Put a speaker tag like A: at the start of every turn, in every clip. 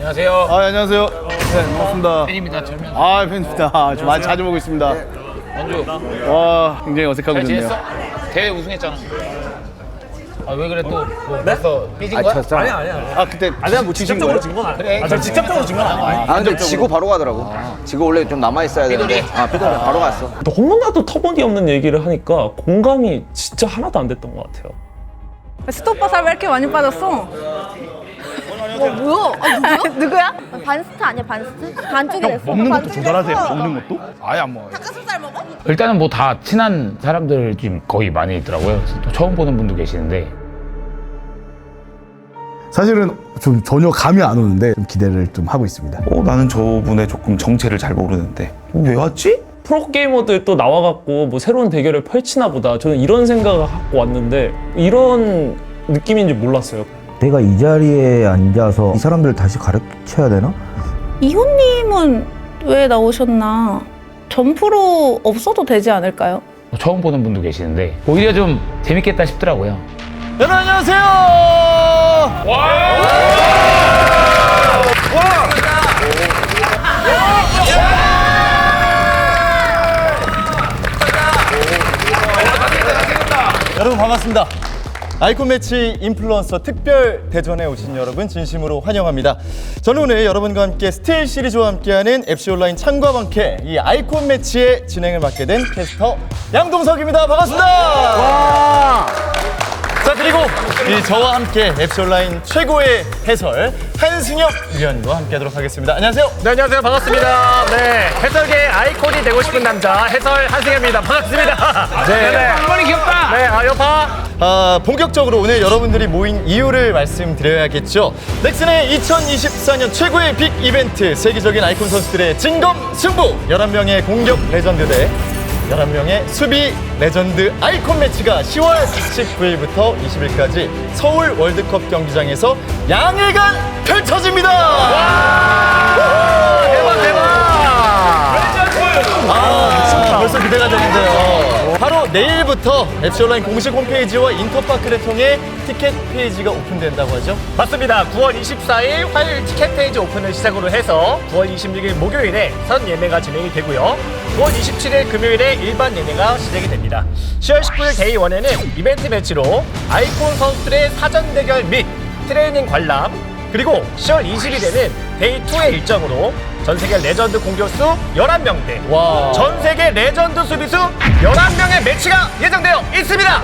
A: 안녕하세요.
B: 안녕하세요. 네, 반갑습니다.
A: 팬입니다. 철면.
B: 팬입니다. 좀 많이 자주 보고 있습니다.
A: 원주.
B: 와, 굉장히 어색하고
A: 잘
B: 좋네요.
A: 지냈어? 대회 우승했잖아. 아 왜 그래 또? 뭐 벌써 삐진 거야?
B: 아니야. 그때
C: 내가 뭐 직접적으로 진 건 아니야.
A: 그래.
C: 저 직접적으로 진 건 아니야.
D: 근데 지고 바로 가더라고. 지고 원래 좀 남아 있어야 되는데. 피곤해 바로 갔어.
C: 또 홈런나도 터무니없는 얘기를 하니까 공감이 진짜 하나도 안 됐던 것 같아요.
E: 스토퍼 살 왜 이렇게 많이 빠졌어?
F: 뭐야? 누구야? 반스트 아니야 반스트? 반쪽이 됐어.
B: 먹는 것도 조절하세요. 먹는 것도? 아예 안 먹어요.
F: 닭가슴살 먹어?
A: 일단은 뭐 다 친한 사람들 지금 거의 많이 있더라고요. 그래서 또 처음 보는 분도 계시는데.
B: 사실은 좀 전혀 감이 안 오는데 좀 기대를 좀 하고 있습니다.
G: 나는 저분의 조금 정체를 잘 모르는데 왜 왔지?
C: 프로게이머들 또 나와갖고 뭐 새로운 대결을 펼치나 보다. 저는 이런 생각을 갖고 왔는데 이런 느낌인지 몰랐어요.
H: 내가 이 자리에 앉아서 이 사람들을 다시 가르쳐야 되나?
E: 이호님은 왜 나오셨나? 점프로 없어도 되지 않을까요?
A: 처음 보는 분도 계시는데 오히려 좀 재밌겠다 싶더라고요.
B: 여러분 안녕하세요. 여러분 반갑습니다. 아이콘 매치 인플루언서 특별 대전에 오신 여러분 진심으로 환영합니다. 저는 오늘 여러분과 함께 스틸 시리즈와 함께하는 FC 온라인 창과 방캐 이 아이콘 매치의 진행을 맡게 된 캐스터 양동석입니다. 반갑습니다. 자, 그리고 저와 함께 FC 온라인 최고의 해설 한승혁 위원과 함께하도록 하겠습니다. 안녕하세요.
I: 네, 안녕하세요. 반갑습니다. 네, 해설계 아이콘이 되고 싶은 남자 해설 한승현입니다. 반갑습니다. 네,
A: 한번이 귀엽다.
I: 네, 여파.
B: 본격적으로 오늘 여러분들이 모인 이유를 말씀드려야겠죠. 넥슨의 2024년 최고의 빅 이벤트, 세계적인 아이콘 선수들의 진검 승부, 11명의 공격 레전드 대 11명의 수비 레전드 아이콘 매치가 10월 19일부터 20일까지 서울 월드컵 경기장에서 양일간 펼쳐집니다.
I: 대박.
B: 벌써 기대가 되는데요. 바로 내일부터 FC 온라인 공식 홈페이지와 인터파크를 통해 티켓 페이지가 오픈된다고 하죠?
I: 맞습니다. 9월 24일 화요일 티켓 페이지 오픈을 시작으로 해서 9월 26일 목요일에 선 예매가 진행이 되고요. 9월 27일 금요일에 일반 예매가 시작이 됩니다. 10월 19일 데이 1에는 이벤트 매치로 아이콘 선수들의 사전 대결 및 트레이닝 관람, 그리고 10월 20일에는 데이 2의 일정으로 전세계 레전드 공격수 11명 대 전세계 레전드 수비수 11명의 매치가 예정되어 있습니다.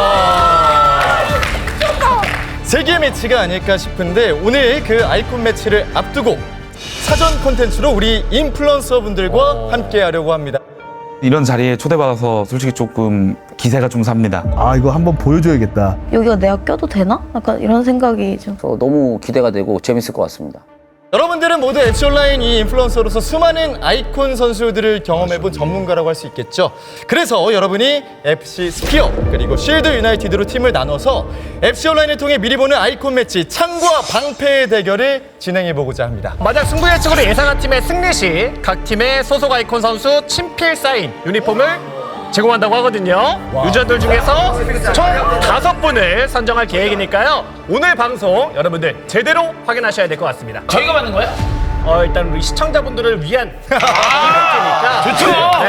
B: 세계 매치가 아닐까 싶은데 오늘 그 아이콘 매치를 앞두고 사전 콘텐츠로 우리 인플루언서 분들과 함께 하려고 합니다.
G: 이런 자리에 초대받아서 솔직히 조금 기세가 좀 삽니다.
H: 이거 한번 보여줘야겠다.
F: 여기가 내가 껴도 되나? 약간 이런 생각이 좀.
D: 너무 기대가 되고 재밌을 것 같습니다.
B: 여러분들은 모두 FC 온라인 이 인플루언서로서 수많은 아이콘 선수들을 경험해본 전문가라고 할 수 있겠죠. 그래서 여러분이 FC 스피어 그리고 쉴드 유나이티드로 팀을 나눠서 FC 온라인을 통해 미리 보는 아이콘 매치 창과 방패의 대결을 진행해보고자 합니다.
I: 만약 승부 예측으로 예상한 팀의 승리 시 각 팀의 소속 아이콘 선수 친필 사인 유니폼을 제공한다고 하거든요. 유저들 중에서 총 5분을 선정할 계획이니까요. 오늘 방송 여러분들 제대로 확인하셔야 될 것 같습니다.
A: 저희가 받는 거야?
I: 일단 우리 시청자분들을 위한 이벤트니까.
A: 좋죠.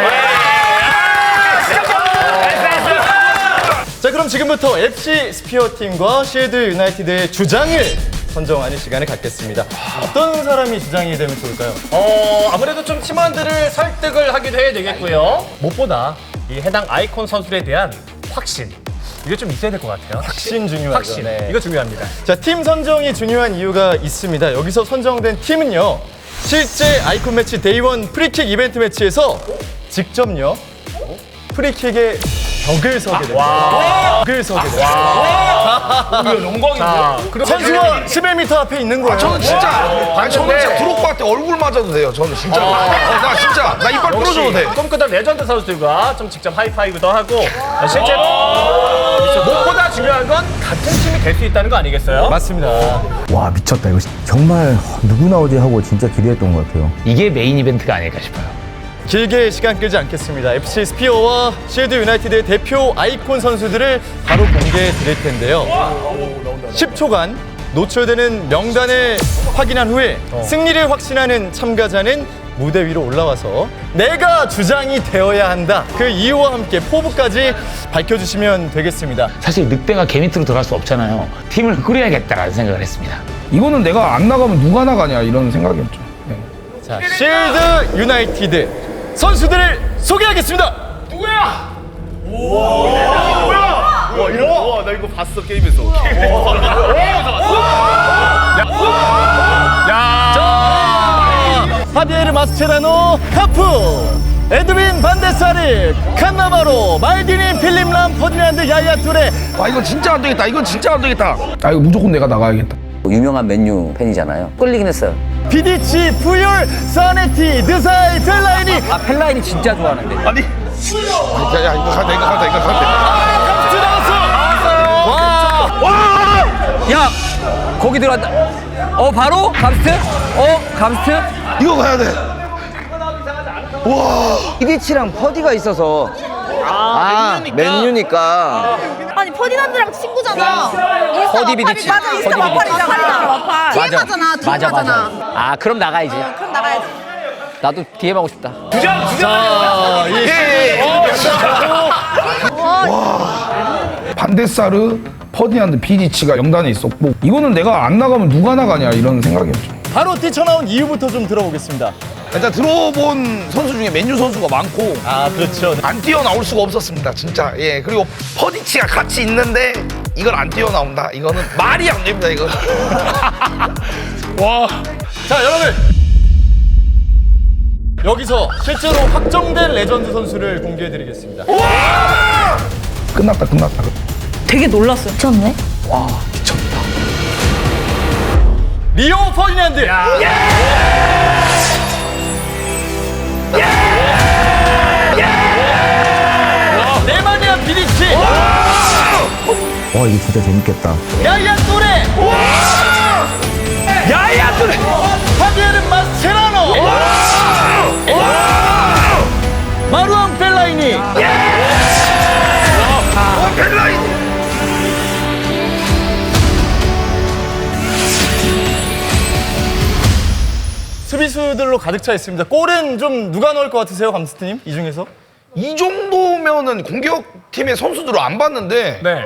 B: 자, 그럼 지금부터 FC 스피어 팀과 쉴드 유나이티드의 주장을 선정하는 시간을 갖겠습니다. 어떤 사람이 주장이 되면 좋을까요?
I: 아무래도 좀 팀원들을 설득을 하기도 해야 되겠고요. 무엇보다 이 해당 아이콘 선수에 대한 확신. 이게 좀 있어야 될 것 같아요.
B: 확신 중요하죠.
I: 확신.
B: 네.
I: 이거 중요합니다.
B: 자, 팀 선정이 중요한 이유가 있습니다. 여기서 선정된 팀은요, 실제 아이콘 매치 데이 1 프리킥 이벤트 매치에서 직접요 프리킥의 벽을 서게 됩니다. 벽을 서게 됩니다.
I: 영광인데.
B: 선수가 11m 앞에 있는 거예요.
J: 저는 진짜 드록바한테 얼굴 맞아도 돼요. 저는 진짜. 나 진짜 나 이빨 부러져도 돼.
I: 꿈꾸던 레전드 선수들과 좀 직접 하이파이브도 하고 실제로 무엇보다 중요한 건 같은 팀이 될 수 있다는 거 아니겠어요?
B: 맞습니다.
H: 와, 미쳤다. 이거 정말 누구 나오지 하고 진짜 기대했던 것 같아요.
A: 이게 메인 이벤트가 아닐까 싶어요.
B: 길게 시간 끌지 않겠습니다. FC 스피어와 쉴드 유나이티드의 대표 아이콘 선수들을 바로 공개해 드릴 텐데요. 10초간 노출되는 명단을 확인한 후에 승리를 확신하는 참가자는 무대 위로 올라와서 내가 주장이 되어야 한다. 그 이유와 함께 포부까지 밝혀주시면 되겠습니다.
A: 사실 늑대가 개 밑으로 들어갈 수 없잖아요. 팀을 꾸려야겠다라는 생각을 했습니다.
J: 이거는 내가 안 나가면 누가 나가냐 이런 생각이었죠. 네.
B: 자, 실드 유나이티드 선수들을 소개하겠습니다. 하비에르 마스체라노, 카프, 에드윈 반데사리, 칸나바로, 말디니, 필립 람, 퍼디난드, 야야 뚜레.
J: 아 이거 진짜 안 되겠다. 이건 진짜 안 되겠다. 아 이거 무조건 내가 나가야겠다.
D: 유명한 맨유 팬이잖아요. 끌리긴 했어요.
B: 비디치, 푸율, 사네티, 드사이, 펠라이니.
D: 아 펠라인이 진짜 좋아하는데.
J: 아니. 야 이거 가다 이거 가다.
B: 감스 나왔어.
D: 야 거기 들어간다. 바로 감스트? 감스트?
J: 이거 가야 돼.
D: 이디치랑 퍼디가 있어서 맨유니까.
F: 아니 퍼디난드랑 친구잖아. 인스타
D: 퍼디 비디치.
F: 맞아 인스타
D: 퍼디
F: 마팔이잖아. 마팔.
D: 맞아.
F: DM하잖아.
D: 맞아. 아 그럼 나가야지.
F: 그럼 나가야지.
D: 나도 DM 하고 싶다.
B: 자,
J: 반데사르, 퍼디난드, 비디치가 명단에 있었고 이거는 내가 안 나가면 누가 나가냐 이런 생각이었죠.
B: 바로 뛰쳐나온 이유부터 좀 들어보겠습니다.
J: 일단 들어본 선수 중에 맨유 선수가 많고
B: 그렇죠.
J: 안 뛰어나올 수가 없었습니다 진짜. 예 그리고 퍼디치가 같이 있는데 이걸 안 뛰어나온다 이거는 말이 안 됩니다 이거.
B: 자, 여러분. 여기서 실제로 확정된 레전드 선수를 공개해드리겠습니다.
J: 끝났다.
E: 되게 놀랐어요.
F: 미쳤네.
B: 리오 퍼디난드. 네마니아 비디치.
H: 와 이거 진짜 재밌겠다.
B: 야야 뚜레. 야야 뚜레. 하비에르 마스체라노. 마루앙 펠라이니.
J: 펠라인.
B: 수비수들로 가득 차 있습니다. 골은 좀 누가 넣을 것 같으세요, 감스트님? 이 중에서?
J: 이 정도면은 공격팀의 선수들을 안 봤는데
I: 네.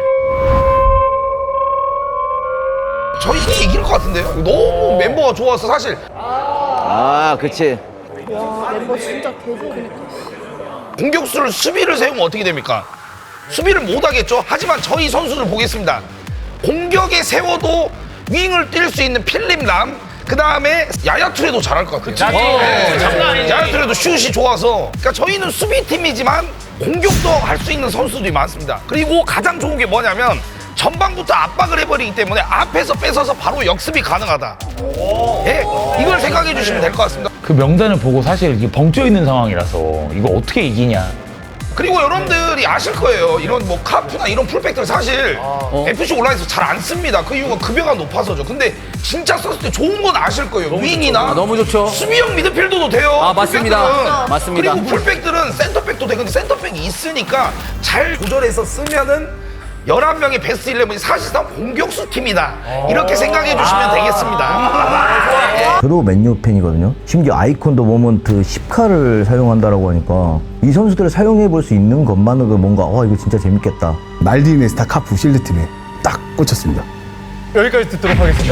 J: 저희 팀이 이길 것 같은데요? 너무 멤버가 좋아서 사실
D: 그치.
F: 멤버 진짜 개좋으니까.
J: 공격수를 수비를 세우면 어떻게 됩니까? 수비를 못 하겠죠? 하지만 저희 선수를 보겠습니다. 공격에 세워도 윙을 뛸 수 있는 필립 람, 그 다음에 야야투레도 잘할 것 같아요. 야야투레도 슛이 좋아서. 그러니까 저희는 수비팀이지만 공격도 할 수 있는 선수들이 많습니다. 그리고 가장 좋은 게 뭐냐면 전반부터 압박을 해버리기 때문에 앞에서 뺏어서 바로 역습이 가능하다. 예, 이걸 생각해 주시면 될 것 같습니다.
A: 그 명단을 보고 사실 이게 벙쪄 있는 상황이라서 이거 어떻게 이기냐.
J: 그리고 여러분들이 아실 거예요. 이런 뭐 카프나 이런 풀백들 사실 FC 온라인에서 잘 안 씁니다. 그 이유가 급여가 높아서죠. 근데 진짜 썼을 때 좋은 건 아실 거예요. 윙이나
D: 너무 좋죠.
J: 수비형 미드필더도 돼요.
D: 맞습니다.
J: 풀백들은.
D: 맞습니다.
J: 그리고 풀백들은 센터백도 돼. 근데 센터백이 있으니까 잘 조절해서 쓰면은 11명의 베스트 11이 사실상 공격수 팀이다. 이렇게 생각해 주시면 되겠습니다.
H: 저도 맨유 팬이거든요. 심지어 아이콘 더 모먼트 10카를 사용한다라고 하니까 이 선수들을 사용해 볼 수 있는 것만으로도 뭔가 이거 진짜 재밌겠다.
K: 말디니, 스타, 카프, 실드팀에 딱 꽂혔습니다.
B: 여기까지 듣도록 하겠습니다.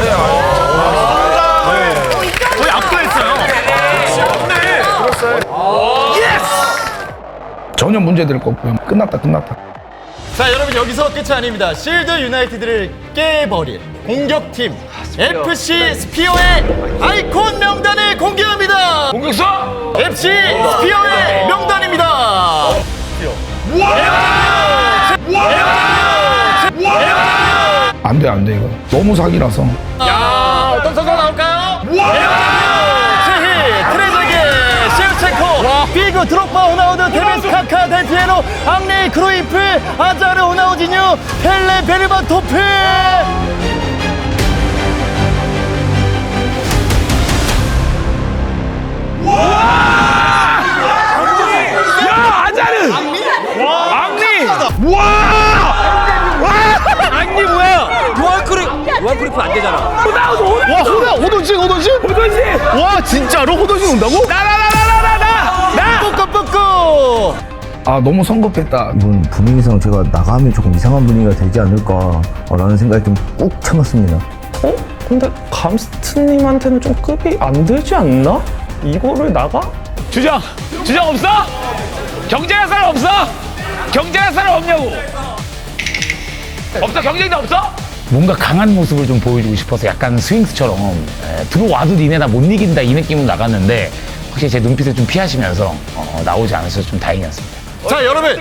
I: 거의 압도했어요.
J: 전혀 문제될 거 없고요. 끝났다.
B: 자, 여러분 여기서 끝이 아닙니다. 실드 유나이티드를 깨버릴 공격팀 FC 스피어의 아이콘 명단을 공개합니다.
J: 공격수!
B: FC 스피어의 명단입니다.
J: 안 돼, 이거. 너무 사기라서.
B: 야, 어떤 선수가 나올까요? 세히, 트레제게, 셰우첸코, 비그, 드록바, 호나우드, 테베스, 카카, 델피에로, 앙리, 크루이프, 아자르, 호나우지뉴, 펠레, 베르바토프.
D: 요한 크루이프 안 되잖아.
J: 호돈신.
B: 와 진짜로 호돈신 온다고?
J: 나.
B: 뿌꾸뿌꾸.
G: 아 너무 성급했다.
H: 이번 분위기상 제가 나가면 조금 이상한 분위기가 되지 않을까라는 생각이 좀 꾹 참았습니다.
C: 근데 감스트님한테는 좀 급이 안 되지 않나? 이거를 나가?
A: 주장 없어? 경쟁할 사람 없어? 경쟁할 사람 없냐고? 없어? 경쟁자 없어? 뭔가 강한 모습을 좀 보여주고 싶어서 약간 스윙스처럼 들어와도 니네 나 못 이긴다 이 느낌으로 나갔는데 확실히 제 눈빛을 좀 피하시면서 나오지 않으셔서 좀 다행이었습니다.
B: 자 여러분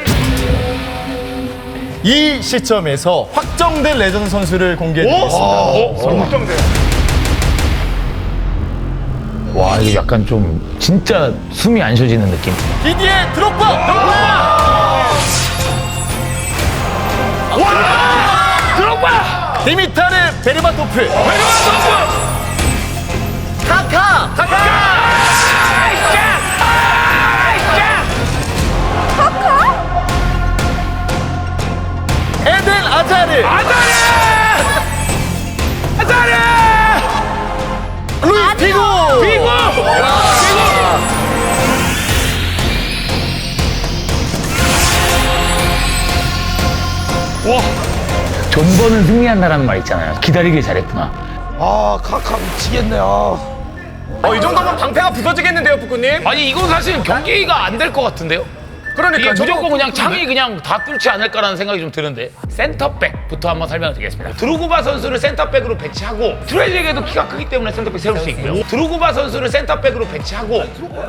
B: 이 시점에서 확정된 레전드 선수를 공개해드리겠습니다.
I: 확정돼요.
A: 와 이게 약간 좀 진짜 숨이 안 쉬어지는 느낌.
B: 디디에 드록바.
A: 드록바!
B: 디미타르 베르바토프. 카카. 에덴 아자르. 루이스 피고.
A: 존버는 승리한다라는 말 있잖아요. 기다리길 잘했구나.
J: 아 카카 미치겠네.
I: 이 정도면 방패가 부서지겠는데요, 북구님?
A: 아니 이건 사실 경기가 안 될 것 같은데요?
I: 그러니까
A: 무조건 그냥 창이 그냥 다 뚫지 않을까라는 생각이 좀 드는데 센터백부터 한번 설명을 드리겠습니다. 드루그바 선수를 센터백으로 배치하고 트레제게도 키가 크기 때문에 센터백 세울 수 있고요. 드루그바 선수를 센터백으로 배치하고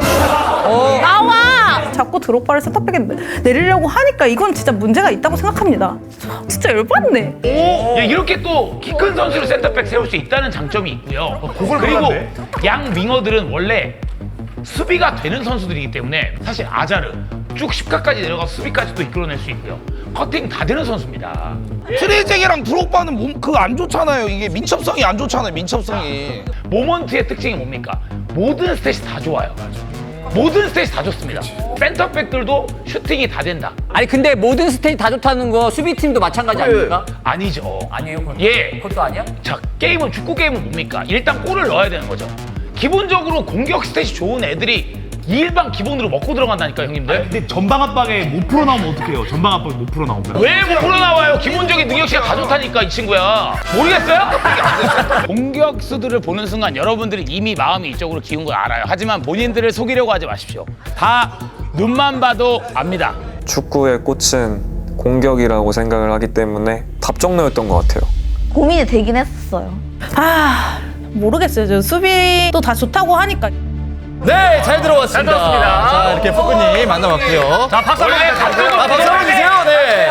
F: 나와!
E: 자꾸 드록바를 센터백에 내리려고 하니까 이건 진짜 문제가 있다고 생각합니다. 진짜 열받네.
A: 이렇게 또 키 큰 선수를 센터백 세울 수 있다는 장점이 있고요. 그리고 양 윙어들은 원래 수비가 되는 선수들이기 때문에 사실 아자르 쭉 10가까지 내려가서 수비까지도 이끌어낼 수 있고요. 커팅 다 되는 선수입니다.
J: 트레제게랑 드록바는 몸 그거 안 좋잖아요. 이게 민첩성이 안 좋잖아요. 민첩성이.
A: 모먼트의 특징이 뭡니까? 모든 스탯이 다 좋아요. 모든 스탯이 다 좋습니다. 센터백들도 슈팅이 다 된다.
D: 아니 근데 모든 스테이 다 좋다는 거 수비팀도 마찬가지 아닙니까?
A: 아니죠.
D: 아니에요? 그건?
A: 예.
D: 그것도 아니야?
A: 자, 게임은 축구 게임은 뭡니까? 일단 골을 넣어야 되는 거죠. 기본적으로 공격 스탯이 좋은 애들이 일반 기본으로 먹고 들어간다니까 형님들.
L: 근데 전방 압박에 못 풀어나오면 어떡해요? 전방 압박에 못 풀어나오면.
A: 왜 못 풀어나와요? 기본적인 능력치가 다 좋다니까 이 친구야. 모르겠어요? 공격수들을 보는 순간 여러분들이 이미 마음이 이쪽으로 기운 걸 알아요. 하지만 본인들을 속이려고 하지 마십시오. 다 눈만 봐도 압니다.
M: 축구의 꽃은 공격이라고 생각을 하기 때문에 답정너였던 것 같아요.
F: 고민이 되긴 했었어요.
E: 모르겠어요. 저 수비도 다 좋다고 하니까.
B: 네, 잘 들어왔습니다.
I: 잘 들어왔습니다.
B: 자, 이렇게 푸꾸님 만나봤고요.
I: 자, 박수 한번 주세요.
B: 박수 한번 주세요. 네.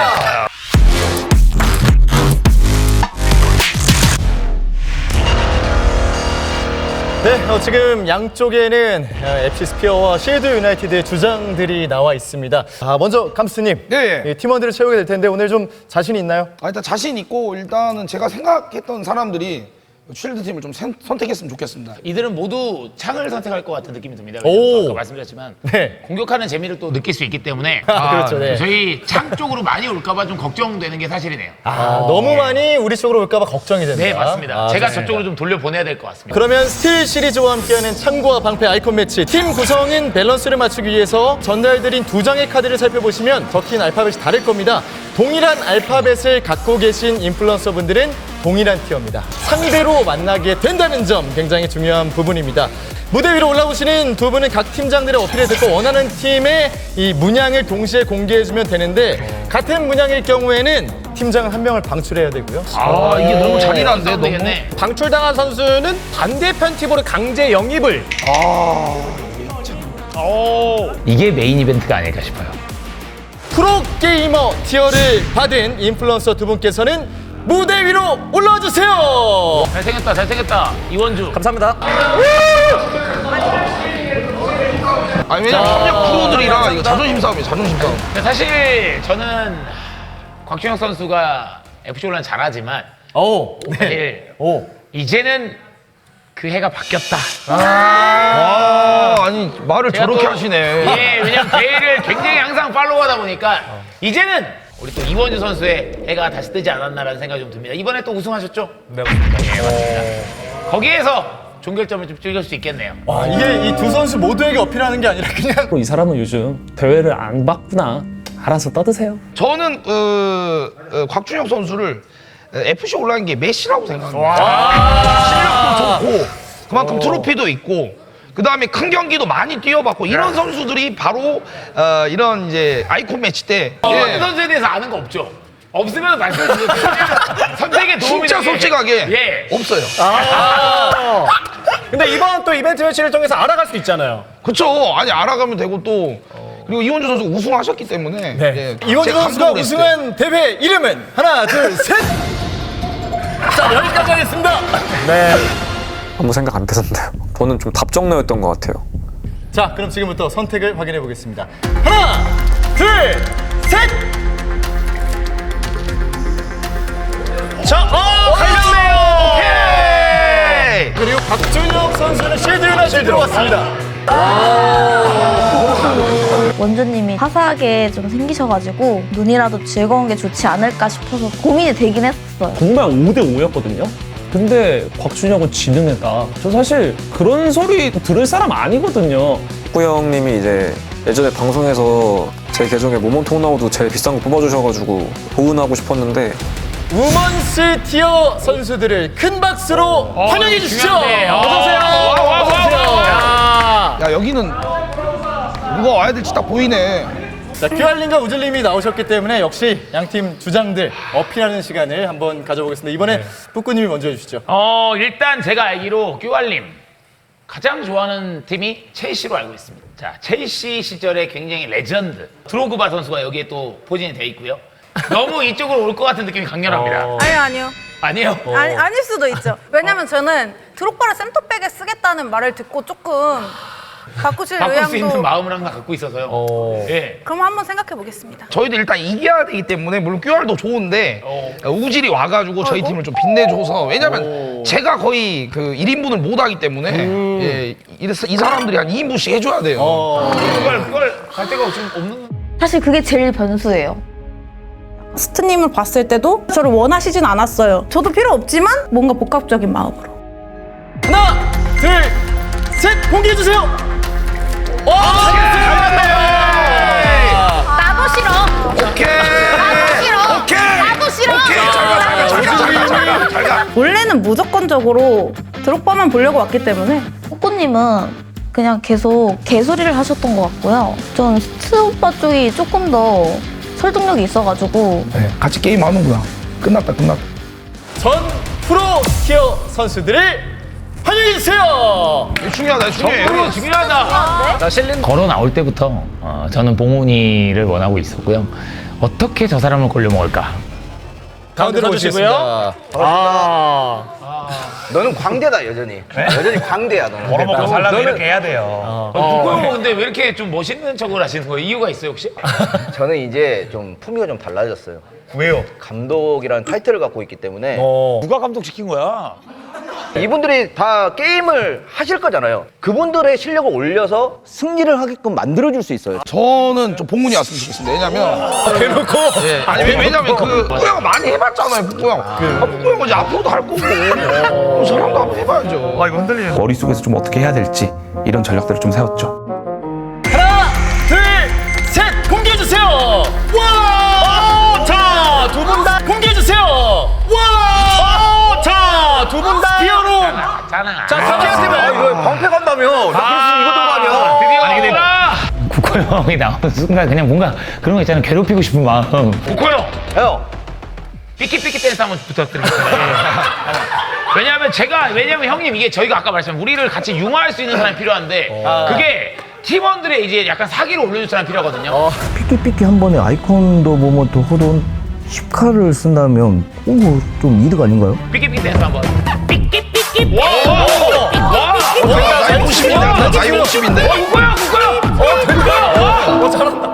B: 네, 지금 양쪽에는 FC 스피어와 쉴드 유나이티드의 주장들이 나와 있습니다. 먼저 감스트님,
J: 네.
B: 팀원들을 채우게 될 텐데 오늘 좀 자신이 있나요?
J: 일단 자신 있고 일단은 제가 생각했던 사람들이 쉴드 팀을 좀 선택했으면 좋겠습니다.
A: 이들은 모두 창을 선택할 것 같은 느낌이 듭니다.
B: 오.
A: 아까 말씀드렸지만
B: 네.
A: 공격하는 재미를 또 느낄 수 있기 때문에
B: 그렇죠. 네.
A: 저희 창 쪽으로 많이 올까봐 좀 걱정되는 게 사실이네요.
B: 너무 많이 우리 쪽으로 올까봐 걱정이 됩니다.
A: 네, 맞습니다. 제가
B: 좋습니다.
A: 저쪽으로 좀 돌려보내야 될 것 같습니다.
B: 그러면 스틸 시리즈와 함께하는 창과 방패 아이콘 매치 팀 구성인 밸런스를 맞추기 위해서 전달드린 두 장의 카드를 살펴보시면 적힌 알파벳이 다를 겁니다. 동일한 알파벳을 갖고 계신 인플루언서 분들은 동일한 티어입니다. 상대로 만나게 된다는 점 굉장히 중요한 부분입니다. 무대 위로 올라오시는 두 분은 각 팀장들의 어필을 듣고 원하는 팀의 이 문양을 동시에 공개해주면 되는데 같은 문양일 경우에는 팀장은 한 명을 방출해야 되고요.
J: 이게 너무 잔인한데 너무.
A: 되겠네.
I: 방출당한 선수는 반대편 팀으로 강제 영입을.
A: 이게 메인 이벤트가 아닐까 싶어요.
B: 프로게이머 티어를 받은 인플루언서 두 분께서는 무대 위로 올라와주세요.
A: 잘생겼다, 잘생겼다. 이원주.
D: 감사합니다.
J: 아니 왜냐면 협력 프로들이라 이거 자존심 싸움이에요. 자존심 싸움.
A: 근데 사실 저는 곽준혁 선수가 FC 온라인 잘하지만 사실 이제는 그 해가 바뀌었다.
J: 아니 말을 저렇게
A: 또,
J: 하시네.
A: 예, 왜냐면 대회를 굉장히 항상 팔로우하다 보니까 이제는 우리 또 이원주 선수의 해가 다시 뜨지 않았나라는 생각이 좀 듭니다. 이번에 또 우승하셨죠? 네, 맞습니다. 거기에서 종결점을 좀 찍을 수 있겠네요.
B: 와, 이게 이 두 선수 모두에게 어필하는 게 아니라 그냥
C: 이 사람은 요즘 대회를 안 봤구나. 알아서 떠드세요.
J: 저는 곽준혁 선수를 FC 올라간 게 메시라고 생각합니다. 실력도 좋고 그만큼 트로피도 있고 그 다음에 큰 경기도 많이 뛰어봤고 이런 선수들이 바로 이런 이제 아이콘 매치 때
A: 이런 선수에 대해서 아는 거 없죠? 없으면 말씀해 주세요. 선택에 도움이
J: 진짜
A: 되게.
J: 솔직하게
A: 예.
J: 없어요.
I: 근데 이번 또 이벤트 매치를 통해서 알아갈 수 있잖아요.
J: 그렇죠. 아니 알아가면 되고 또 그리고 이원주 선수 우승하셨기 때문에 예,
B: 이원주
J: 제가
B: 선수가
J: 감동을 했어요.
B: 우승한 대회 이름은 하나, 둘, 셋. 자, 여기까지 하겠습니다.
I: 네.
M: 아무 생각 안 드는데요. 저는 좀 답정너였던 것 같아요.
B: 자, 그럼 지금부터 선택을 확인해 보겠습니다. 하나, 둘, 셋. 자, 갈렸네요.
J: 오케이.
B: 그리고 박준혁 선수는 실드나 실드로 왔습니다.
F: 원주님이 화사하게 좀 생기셔가지고 눈이라도 즐거운 게 좋지 않을까 싶어서 고민이 되긴 했어요.
C: 정말 5대5였거든요. 근데 곽준혁은 지는 애다. 저 사실 그런 소리 들을 사람 아니거든요.
M: 축구 형님이 이제 예전에 방송에서 제 계정에 모먼트 호나우도 제일 비싼 거 뽑아주셔가지고 보은하고 싶었는데
B: 우먼스 티어 선수들을 큰 박수로 환영해 주시죠.
A: 중요한데.
B: 어서 오세요. 어서 오세요.
J: 야 여기는 누가 와야 될지 딱 보이네.
B: 자, 큐알님과 우즐님이 나오셨기 때문에 역시 양팀 주장들 어필하는 시간을 한번 가져보겠습니다. 이번에 뿌꾸님이 먼저 해주시죠.
A: 일단 제가 알기로 큐알님 가장 좋아하는 팀이 첼시로 알고 있습니다. 자, 첼시 시절에 굉장히 레전드 드로그바 선수가 여기에 또 포진이 돼 있고요. 너무 이쪽으로 올 것 같은 느낌이 강렬합니다.
E: 아니요.
A: 아니에요?
E: 아닐 수도 있죠. 왜냐면 저는 드록바를 센터백에 쓰겠다는 말을 듣고 조금 바꾸실
A: 바꿀 수 있는
E: 의향도.
A: 마음을 항상 갖고 있어서요. 예.
E: 그럼 한번 생각해 보겠습니다.
J: 저희도 일단 이겨야 되기 때문에 물론 QR도 좋은데 우질이 와가지고 저희 팀을 좀 빛내줘서 왜냐면 제가 거의 그 1인분을 못 하기 때문에 예, 이 사람들이 한 2인분씩 해줘야 돼요.
A: 그걸 갈 데가 좀 없는.
F: 사실 그게 제일 변수예요.
E: 스트님을 봤을 때도 저를 원하시진 않았어요. 저도 필요 없지만 뭔가 복합적인 마음으로.
B: 하나, 둘, 셋. 공개해 주세요.
F: 나도 싫어.
J: 오케이.
F: 나도 싫어.
E: 원래는 무조건적으로 드록바만 보려고 왔기 때문에.
F: 꾸꾸님은 그냥 계속 개소리를 하셨던 것 같고요. 전 스트 오빠 쪽이 조금 더 설득력이 있어가지고
J: 네, 같이 게임 하는구나. 끝났다.
B: 전 프로 티어 선수들을 환영해 주세요.
J: 중요하다.
A: 중요하다.
I: 자, 실린
A: 걸어 나올 때부터 저는 봉훈이를 원하고 있었고요. 어떻게 저 사람을 골려 먹을까?
B: 가운데로
I: 서주시고요.
B: 모시겠습니다.
D: 너는 광대다 여전히. 여전히 광대야 너는.
A: 먹고 살려면 이렇게 해야 돼요. 국고형 근데 왜 이렇게 좀 멋있는 척을 하시는 거예요? 이유가 있어요 혹시?
D: 저는 이제 좀 품위가 좀 달라졌어요.
A: 왜요?
D: 감독이라는 타이틀을 갖고 있기 때문에
A: 누가 감독 시킨 거야?
D: 이분들이 다 게임을 하실 거잖아요. 그분들의 실력을 올려서 승리를 하게끔 만들어줄 수 있어요.
J: 저는 좀 봉훈이 왔으면 좋겠습니다. 왜냐면
B: 대놓고.
J: 예, 아니 왜냐면 그 뿌꾸형 많이 해봤잖아요. 뿌꾸형. 뿌꾸형은 이제 앞으로도 할 거고 그 사람도 한번 해봐야죠.
A: 이거 흔들리네.
G: 머릿속에서 좀 어떻게 해야 될지 이런 전략들을 좀 세웠죠.
B: 하나, 둘, 셋. 공개해 주세요. 와! 자, 두 분 다 공개해 주세요. 와! 자, 두 분 다 티어로.
A: 잖아.
B: 자, 스키한테만.
D: 이거 방패 간다며. 나 그래서 이거 들고 다녀.
A: 드디어 아니 근데 국호 형이 나오는 순간 그냥 뭔가 그런 거 있잖아요. 괴롭히고 싶은 마음. 국호 형.
D: 형.
A: 삐끼삐끼 댄스 한번 부탁드리겠습니다. 왜냐면 형님 이게 저희가 아까 말씀한 우리를 같이 융화할 수 있는 사람이 필요한데 그게 팀원들의 이제 약간 사기를 올려줄 사람이 필요하거든요.
H: 삐끼삐끼 한 번에 아이콘도 모먼트 호돈 10카를 쓴다면 좀 이득 아닌가요?
A: 삐끼삐끼 댄스 한번. 삐끼삐끼. 와.
J: 나이 50인데. 나이 50인데.
A: 국호형. 잘한다.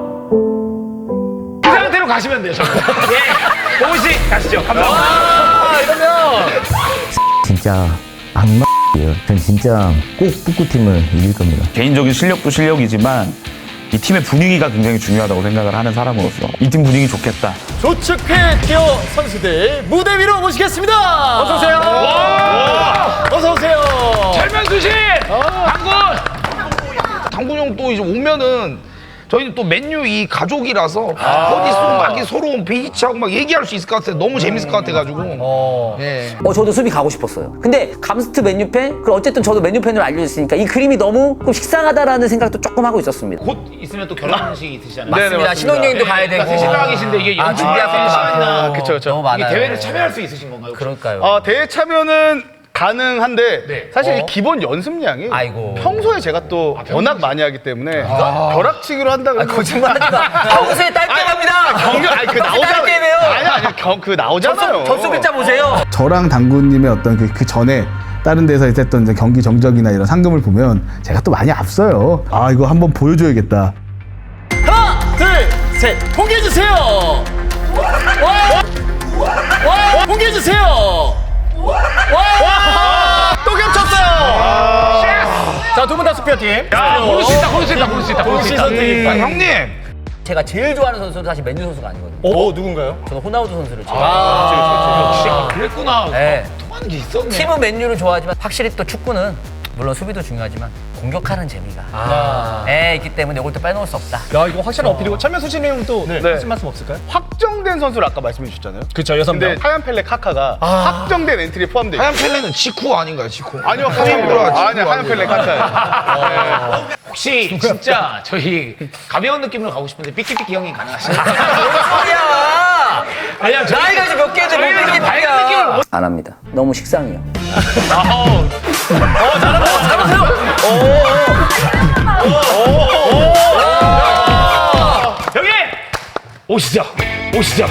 A: 그 상태로 가시면 돼요. 예. 봉훈 씨 가시죠. 감사합니다.
I: 이러면
H: 진짜 악마예요. 전 진짜 꼭 뿌꾸팀을 이길 겁니다.
G: 개인적인 실력도 실력이지만 이 팀의 분위기가 굉장히 중요하다고 생각을 하는 사람으로서 이 팀 분위기 좋겠다.
B: 조축회 티어 선수들 무대 위로 모시겠습니다.
I: 어서 오세요.
B: 어서 오세요.
A: 철면수 씨, 당군.
J: 당군 형 또 이제 오면은 저희는 또 맨유 이 가족이라서 어디서 막 서로 비치하고 막 얘기할 수 있을 것 같아요. 너무 재밌을 것 같아가지고. 예.
N: 저도 수비 가고 싶었어요. 근데 감스트 맨유 팬? 그럼 어쨌든 저도 맨유 팬으로 알려졌으니까 이 그림이 너무 좀 식상하다라는 생각도 조금 하고 있었습니다.
A: 곧 있으면 또 결혼식이 있으시잖아요.
N: 맞습니다. 신혼여행도 가야 되고.
A: 네, 신랑이신데 이게 연습 준비하는 시간이나
I: 그쵸, 그쵸.
N: 너무 많아요.
A: 이게 대회를 참여할 수 있으신 건가요? 혹시?
N: 그럴까요?
K: 대회 참여는 가능한데
A: 네.
K: 사실 이 기본 연습량이
N: 아이고.
K: 평소에 제가 또 워낙 많이 하기 때문에 벼락치기로 한다 그러면
N: 거짓말하지 마. 평소에 딸게임합니다.
K: 경기 아니 그 나오잖아요.
N: 딸게임해요.
K: 아니 그 나오잖아요.
N: 접수 글자 보세요.
K: 저랑 당구님의 어떤 그 전에 다른 데서 했던 이제 경기 정적이나 이런 상금을 보면 제가 또 많이 앞서요. 아 이거 한번 보여줘야겠다.
B: 하나, 둘, 셋, 공개해 주세요. 공개해 주세요.
I: 또 겹쳤어요. 자, 두 분 다 수표팀.
A: 야, 고를 수 있다, 고를 수 있다, 고를 수 있다, 고를 수 있다.
J: 형님.
N: 제가 제일 좋아하는 선수는 사실 맨유 선수가 아니거든요.
B: 누군가요?
N: 저는 호나우두 선수를 제일
A: 역시 그랬구나.
N: 네.
A: 통하는 게 있었네.
N: 팀은 맨유를 좋아하지만 확실히 또 축구는 물론 수비도 중요하지만 공격하는 재미가 있기 때문에 이걸 또 빼놓을 수 없다.
I: 야, 이거 확실한 어필이고 철면수 씨는 또 하신 말씀 없을까요?
K: 확정된 선수를 아까 말씀해 주셨잖아요.
I: 그쵸, 6명.
K: 근데 하얀 펠레 카카가 확정된 엔트리에 포함돼 있어요.
J: 하얀 펠레는 지쿠 아닌가요, 지쿠?
K: 아니요, 하얀 펠레 카카예요.
A: 혹시 진짜 저희 가벼운 느낌으로 가고 싶은데 삐끼삐끼 형이 가능하신가요?
N: 소리야!
A: 아니야,
N: 나이가 이제 몇 개인데 못
A: 저희는 밝은 느낌을 못.
N: 안 합니다. 너무 식상해요.
A: 여기 오시죠, 오시죠.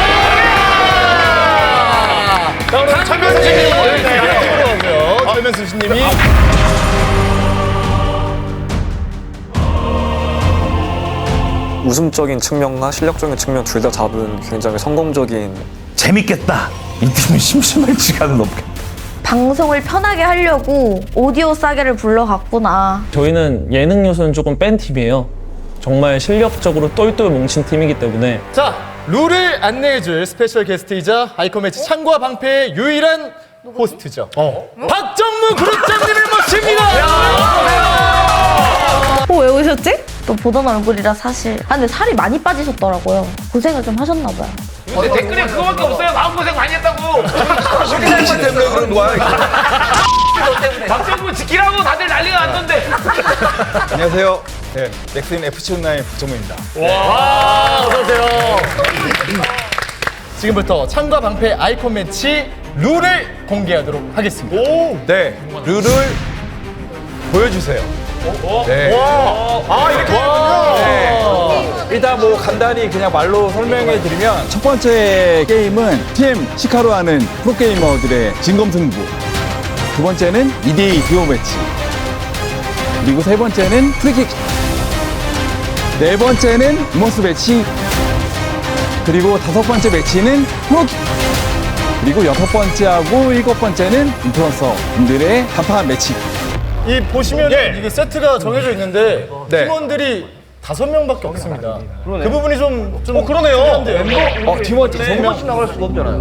B: 자, 오늘 철면수 씨님 오고요. 철면수 씨님이
M: 웃음적인 측면과 실력적인 측면 둘 다 잡은 굉장히 성공적인
G: 재밌겠다. 이 팀은 심심할지가는 없겠다.
F: 방송을 편하게 하려고 오디오 싸게를 불러갔구나.
C: 저희는 예능 요소는 조금 뺀 팀이에요. 정말 실력적으로 똘똘 뭉친 팀이기 때문에
B: 자, 룰을 안내해줄 스페셜 게스트이자 아이콘 매치 창과 방패의 유일한 호스트죠. 박정무 그룹장님을 모십니다.
F: 왜 오셨지? 또 보던 얼굴이라 사실. 근데 살이 많이 빠지셨더라고요. 고생을 좀 하셨나 봐요.
A: 근데 댓글에 그거밖에 없어요. 마음고생 많이 했다고.
J: 씨 때문에 그런 거야.
A: 박정구 지키라고 다들 난리가 났던데.
K: 안녕하세요. 네, 넥스인 FC 온라인 박정무입니다.
B: 어서오세요. 지금부터 창과 방패 아이콘 매치 룰을 공개하도록 하겠습니다.
K: 네, 룰을 보여주세요. 네.
B: 이렇게 되는군요.
K: 일단 뭐 간단히 그냥 말로 설명해 드리면 첫 번째 게임은 팀 시카로 하는 프로게이머들의 진검승부, 두 번째는 2대2 듀오 매치, 그리고 세 번째는 프리킥, 네 번째는 이모스 매치, 그리고 다섯 번째 매치는 프로킥, 그리고 여섯 번째하고 일곱 번째는 인플루언서분들의 간판 매치.
B: 이 보시면 이게 세트가 정해져 있는데 팀원들이 5명밖에 없습니다. 그 부분이 좀
I: 그러네요.
B: 특이한데요.
D: 팀원 5명씩 나갈 수가 없잖아요.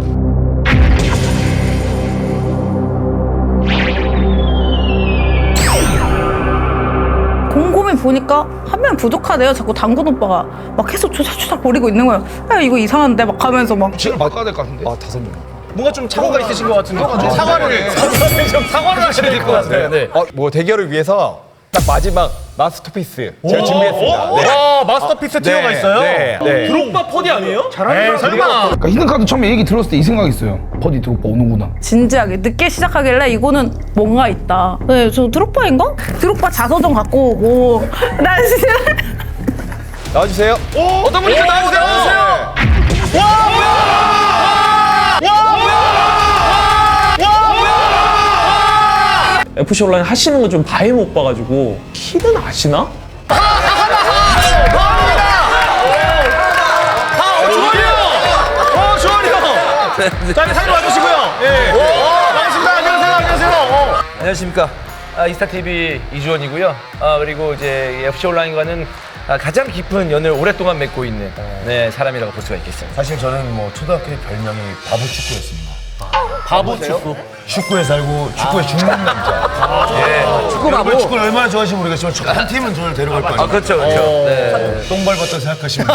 E: 곰곰이 보니까 한 명 부족하대요. 자꾸 당근 오빠가 막 계속 조작조작 거리고 있는 거예요. 야, 이거 이상한데 막 하면서 막.
J: 지금 바꿔야 될 것 같은데.
K: 5명.
I: 뭔가 좀 착오가 있으신 것 같은데.
J: 사과를
I: 사과를 하셔야 될 것 같아요. 네.
K: 뭐 대결을 위해서 딱 마지막 마스터피스 제가 준비했습니다. 네.
I: 와, 마스터피스 티어가 있어요?
K: 네.
I: 드록바 퍼디 아니에요? 잘하는 설마.
J: 그러니까 히든카드 처음에 얘기 들었을 때 이 생각이 있어요. 버디 드롭바 오는구나.
E: 진지하게 늦게 시작하길래 이거는 뭔가 있다. 네, 저 드록바인가? 드록바 자서전 갖고 오고. 나 진짜.
K: 나와주세요.
I: 어떤 분이 나와주세요.
C: FC 온라인 하시는 거 좀 바에 못 봐가지고 키는 아시나?
I: 자, 사진 와주시고요. 예. 반갑습니다. 안녕하세요.
D: 안녕하십니까. 이스타TV 이주원이고요. 그리고 이제 FC 온라인과는 가장 깊은 연을 오랫동안 맺고 있는 사람이라고 볼 수가 있겠습니다.
O: 사실 저는 뭐 초등학교 때 별명이 바보 축구였습니다.
D: 바보 축구?
O: 축구에 살고 축구에 죽는 남자.
D: 축구 바보?
O: 여러분 축구를 얼마나 좋아하시는지 모르겠지만 한 팀은 저를 데려갈 거 아니에요.
D: 그렇죠, 그렇죠.
O: 똥 밟았다 생각하시면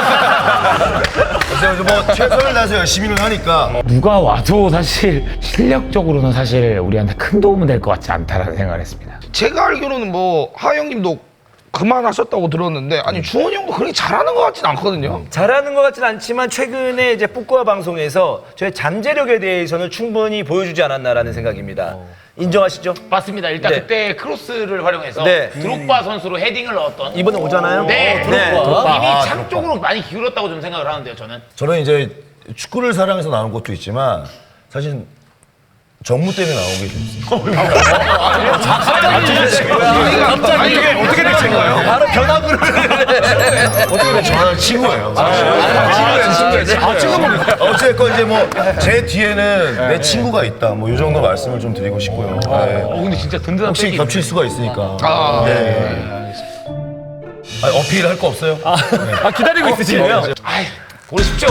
O: 그래서 뭐 최선을 다해서 열심히는 하니까
A: 누가 와도 사실 실력적으로는 사실 우리한테 큰 도움은 될 것 같지 않다라는 생각을 했습니다.
J: 제가 알기로는 뭐 하영님도 그만하셨다고 들었는데 아니 주원이 형도 그렇게 잘하는 것 같진 않거든요.
D: 잘하는 것 같지는 않지만 최근에 이제 뿌꼬아 방송에서 저의 잠재력에 대해서는 충분히 보여주지 않았나라는 생각입니다. 인정하시죠?
A: 맞습니다. 일단
D: 네.
A: 그때 크로스를 활용해서
D: 네.
A: 드록바 선수로 헤딩을 넣었던
D: 이번에 오잖아요?
A: 네,
D: 드록바.
A: 이미
O: 아,
A: 창
O: 드록바.
A: 쪽으로 많이 기울었다고 좀 생각을 하는데요, 저는.
O: 저는 이제 축구를 사랑해서 나온 것도 있지만 사실 정무 때문에 나오게 됐어요.
J: 아니 이게 어떻게 된 거예요?
D: 바로 변화구를
O: 어떻게 보면 저는 친구예요. 친구예요. 어쨌건 이제 뭐 제 뒤에는 내 친구가 있다. 뭐 이 정도 말씀을 좀 드리고 싶고요. 네.
A: 근데 진짜 든든한
O: 혹시
A: 백이
O: 겹칠 수가 있으니까.
J: 네.
O: 아니, 어필할 거 없어요?
D: 기다리고 있으시네요.
A: 아이, 보고 싶죠?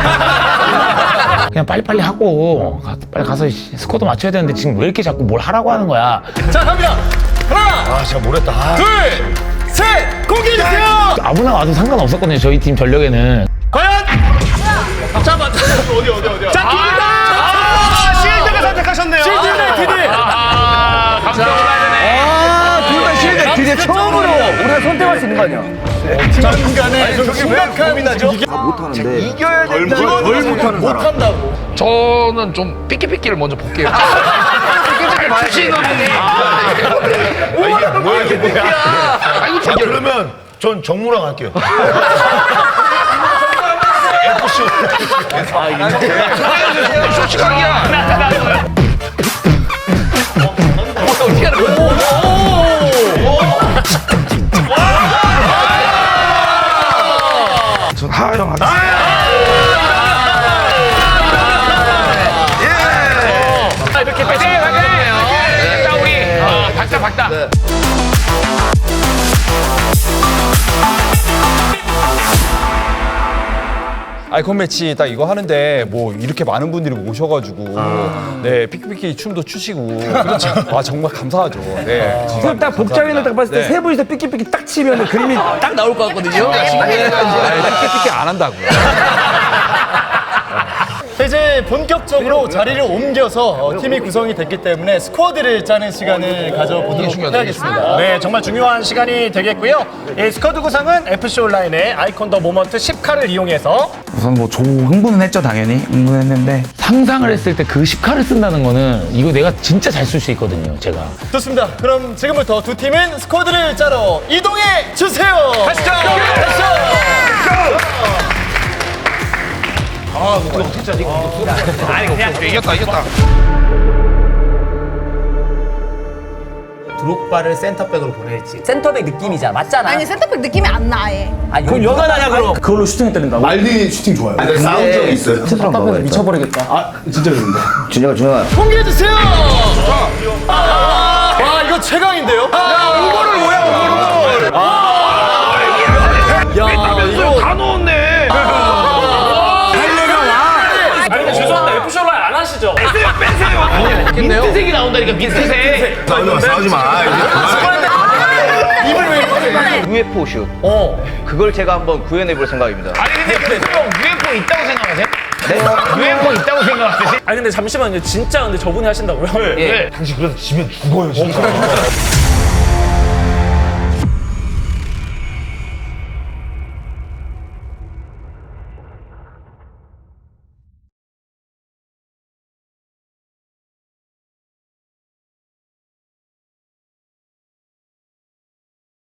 A: 그냥 빨리빨리 하고 빨리 가서 스코어도 맞춰야 되는데 지금 왜 이렇게 자꾸 뭘 하라고 하는 거야?
D: 자, 갑니다. 하나,
O: 아, 제가 모르겠다. 아.
D: 둘, 셋, 공개해주세요.
A: 아무나 와도 상관없었거든요, 저희 팀 전력에는.
D: 과연? 자, 맞다. 어디야? 자, 둘다 실드가 선택하셨네요. 실드 유나이티드.
A: 감정 올라야 되네.
D: 둘 다 실드 유나이티드 처음으로 우리가 선택할 수 있는 거 아니야? 팀간에 저게 왜 고민하죠?
H: 못하는데
D: 이겨야 된다. 덜 못하는 사람. 못한다고.
J: 저는 좀 삐끼삐끼를 먼저 볼게요. 삐끼삐끼 봐야지.
O: 이게 뭐야? 자, 그러면 전 정무랑 할게요. FC.
J: 솔직하기야.
D: 어떻게 하는 거야?
J: 전 하영 하겠습니다.
D: 이렇게
A: 네, 네. 자, 우리 박다.
K: 아이콘 매치 딱 이거 하는데 뭐 이렇게 많은 분들이 오셔가지고 네 삐끼삐끼 춤도 추시고 그렇죠. 와 정말 감사하죠. 네.
N: 지금 딱 복장이나 딱 봤을 때 세 분이서 삐끼삐끼 딱 치면 그림이 딱 나올 것 같거든요.
K: 삐끼삐끼 안 한다고요.
B: 이제 본격적으로 자리를 옮겨서 팀이 구성이 됐기 때문에 스쿼드를 짜는 시간을 가져보도록 해야겠습니다.
I: 네, 정말 중요한 시간이 되겠고요. 이 스쿼드 구성은 FC 온라인의 아이콘 더 모먼트 10카를 이용해서
G: 우선 뭐 흥분은 했죠, 당연히. 흥분했는데.
A: 상상을 했을 때 그 10카를 쓴다는 거는 이거 내가 진짜 잘 쓸 수 있거든요, 제가.
B: 좋습니다. 그럼 지금부터 두 팀은 스쿼드를 짜러 이동해 주세요.
D: 가시죠.
A: 아, 이거 어떻게 짜지? 아니, 그냥
J: 이겼다.
I: 드록바를 센터백으로 보낼지.
N: 센터백 느낌이잖아. 맞잖아.
E: 아니 센터백 느낌이 안 나. 아예.
N: 아니, 그럼 누가 나냐 그럼? 그걸로 슈팅을 때린다고?
O: 말디 슈팅 좋아요. 싸운 적이 있어요.
N: 답답해서 미쳐버리겠다.
H: 준혁아
B: 공개해 주세요. 와 이거 최강인데요?
J: 오버를 뭐야, 오버를.
B: 야 이거
J: 다 넣었네.
C: 죄송한데 FC 온라인 안 하시죠?
A: 민트색이 나온다니까, 민트색.
O: 싸우지 마.
D: 입을 왜 UFO 슛. 그걸 제가 한번 구현해 볼 생각입니다.
A: 아니, 근데 형 UFO 있다고 생각하세요? 네? UFO 있다고 생각하세요?
C: 아니 근데 잠시만요. 진짜 근데 저분이 하신다고요?
A: 네.
O: 당신 그래서 지면 죽어요, 진짜.